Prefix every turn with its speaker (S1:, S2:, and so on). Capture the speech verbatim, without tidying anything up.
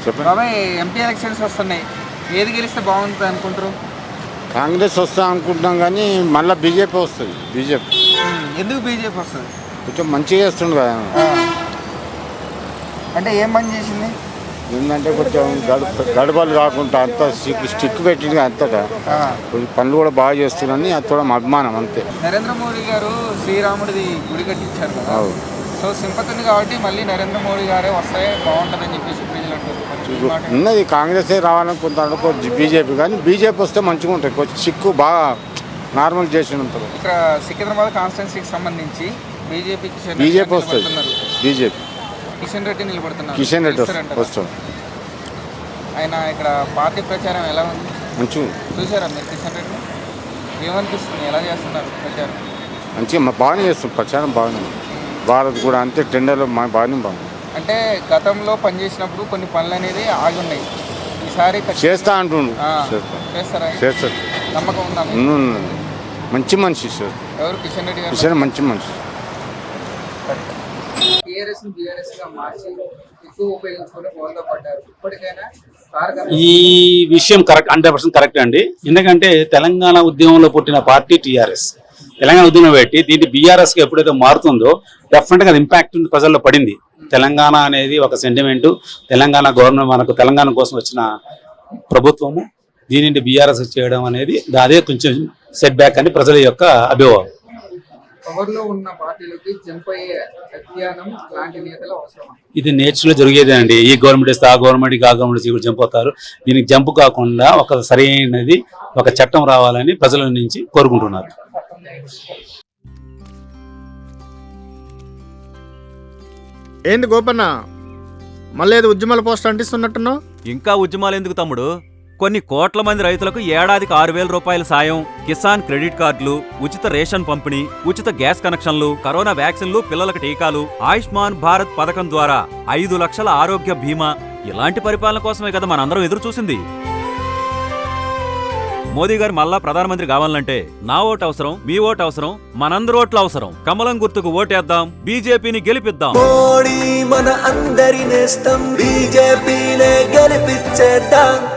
S1: చెప్పండి
S2: బాబాయ్, MP elections వస్తున్నాయి, ఏది గెలిస్తే బాగుంటుంది అనుకుంటారు?
S1: కాంగ్రెస్ వస్తా అనుకుంటున్నాం కానీ మళ్ళీ బీజేపీ వస్తుంది. బీజేపీ
S2: ఎందుకు బీజేపీ వస్తుంది?
S1: కొంచెం మంచిగా చేస్తుండు కదా.
S2: అంటే ఏం పని చేసింది?
S1: ఏంటంటే కొంచెం గడప గడపలు కాకుండా అంత స్టిక్ స్టిక్ పెట్టింది అంతటా కొంచెం పనులు కూడా బాగా చేస్తున్నారని అది కూడా మా అభిమానం అంతే.
S2: నరేంద్ర మోడీ గారు శ్రీరాముడిది గుడి కట్టించారు కదా, సో సింపతి ఉంది కాబట్టి మళ్ళీ నరేంద్ర మోడీ గారే వస్తే బాగుంటుందని చెప్పేసి ప్రజలు అంటారు.
S1: ఉన్నది కాంగ్రెసే రావాలని కొంత అనుకో బీజేపీ, కానీ బీజేపీ వస్తే మంచిగా ఉంటుంది. కొంచెం సిక్కు బాగా నార్మల్ చేసి ఉంటారు.
S2: ఇక్కడ సికింద్రాబాద్ కాన్స్టిట్యున్సీకి సంబంధించి బీజేపీ
S1: బీజేపీ వస్తుంది. బీజేపీ
S2: కిషన్ రెడ్డి నిలబడుతున్నారు.
S1: కిషన్ రెడ్డి వస్తాడు.
S2: ఆయన ఇక్కడ పార్టీ ప్రచారం ఎలా ఉంది?
S1: మంచిగా
S2: చూసారా మీరు కిషన్ రెడ్డి? ఏమనిపిస్తుంది, ఎలా చేస్తున్నారు ప్రచారం?
S1: మంచిగా బాగానే చేస్తుంది ప్రచారం. బాగానే భారత్ కూడా అంతే టెండర్లో మా బాగానే బాగుంది.
S2: అంటే గతంలో పనిచేసినప్పుడు కొన్ని పనులు అనేది ఆగి ఉన్నాయి, ఈసారి
S1: చేస్తా అంటుండు.
S2: చేస్తారా?
S1: చేస్తారు.
S2: నమ్మకం ఉందా?
S1: మంచి మనిషి
S2: ఎవరు? కిషన్ రెడ్డి గారు.
S1: కిషన్ మంచి మనిషి.
S2: టీఆర్ఎస్ బీఆర్ఎస్ గా మార్చి ఎక్కువ ఉపయోగించుకుని బోల్తా పడ్డారు. ఇప్పటికైనా
S3: ఈ విషయం కరెక్ట్, హండ్రెడ్ పర్సెంట్ కరెక్ట్ అండి. ఎందుకంటే తెలంగాణ ఉద్యమంలో పుట్టిన పార్టీ టీఆర్ఎస్. తెలంగాణ ఉద్యమం పెట్టి దీన్ని బీఆర్ఎస్ కి ఎప్పుడైతే మారుతుందో డెఫినెట్ గా ఇంపాక్ట్ ప్రజల్లో పడింది. తెలంగాణ అనేది ఒక సెంటిమెంట్. తెలంగాణ గవర్నమెంట్ మనకు తెలంగాణ కోసం వచ్చిన ప్రభుత్వము దీనిని బీఆర్ఎస్ చేయడం అనేది అదే కొంచెం సెట్ బ్యాక్ అని ప్రజల యొక్క అభిప్రాయం.
S2: పవర్ లో ఉన్న పార్టీలకి జంప్ అయ్యే అధ్యయనం లాంటి నేతలు అవసరం.
S3: ఇది నేచురల్ జరిగేదే అండి. ఈ గవర్నమెంట్ ఇస్తే ఆ గవర్నమెంట్ ఆ గవర్నమెంట్ జంప్ అవుతారు. దీనికి జంప్ కాకుండా ఒక సరైనది ఒక చట్టం రావాలని ప్రజల నుంచి కోరుకుంటున్నారు.
S4: ఏంది గోపన్న, మళ్ళీ ఏదో ఉద్యమాల పోస్ట్ అంటిస్తున్నట్టున్నావు?
S5: ఇంకా ఉద్యమాలు ఎందుకు తమ్ముడు? కొన్ని కోట్ల మంది రైతులకు ఏడాదికి ఆరు వేల రూపాయల సాయం, కిసాన్ క్రెడిట్ కార్డులు, ఉచిత రేషన్ పంపిణీ, ఉచిత గ్యాస్ కనెక్షన్లు, కరోనా వ్యాక్సిన్లు, పిల్లలకు టీకాలు, ఆయుష్మాన్ భారత్ పథకం ద్వారా ఐదు లక్షల ఆరోగ్య బీమా, ఇలాంటి పరిపాలన కోసమే కదా మనందరం ఎదురు చూసింది. మోదీ గారు మళ్ళా ప్రధానమంత్రి కావాలంటే నా ఓటు అవసరం, మీ ఓటు అవసరం, మనందరి ఓట్లు అవసరం. కమలం గుర్తుకు ఓటేద్దాం, బీజేపీని గెలిపిద్దాం.
S6: మోడీ మన అందరి నేస్తం, బీజేపీనే గెలిపించేద్దాం.